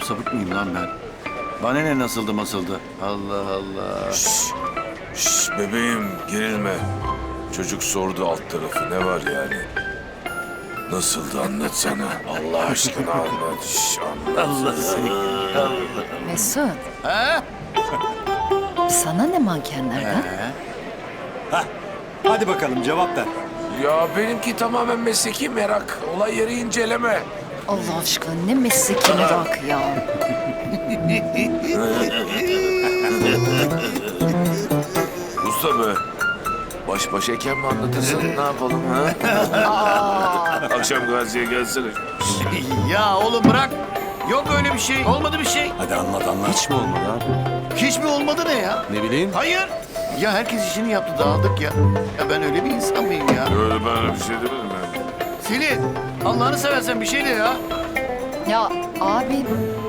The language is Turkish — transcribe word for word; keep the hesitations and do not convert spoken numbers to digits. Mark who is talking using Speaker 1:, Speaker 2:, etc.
Speaker 1: sapık mıyım lan ben? Bana ne nasıldı masıldı? Allah Allah.
Speaker 2: Şşş bebeğim gerilme. Çocuk sordu alt tarafı ne var yani? Nasıldı anlatsana. Allah aşkına anlat. Şş, anlat.
Speaker 1: Allah seni.
Speaker 3: Mesut,
Speaker 1: Ha?
Speaker 3: sana ne mankenlerden?
Speaker 1: Ha?
Speaker 4: Hadi bakalım cevap ver.
Speaker 2: Ya benimki tamamen mesleki merak. Olay yeri inceleme.
Speaker 3: Allah aşkına ne mesleki merak ya.
Speaker 2: Usta be. Baş başayken mi anlatırsın? Ne yapalım ha? Akşam gaziye gelsene.
Speaker 1: Ya oğlum bırak. Yok öyle bir şey. Olmadı bir şey.
Speaker 4: Hadi anlat anlat.
Speaker 5: Hiç mi olmadı abi?
Speaker 1: Hiç mi olmadı ne ya?
Speaker 5: Ne bileyim.
Speaker 1: Hayır. Ya herkes işini yaptı dağıldık ya. Ya ben öyle bir insan mıyım ya?
Speaker 2: Öyle ben öyle bir şey demedim ben.
Speaker 1: Selin Allah'ını seversen bir şey de ya.
Speaker 3: Ya abi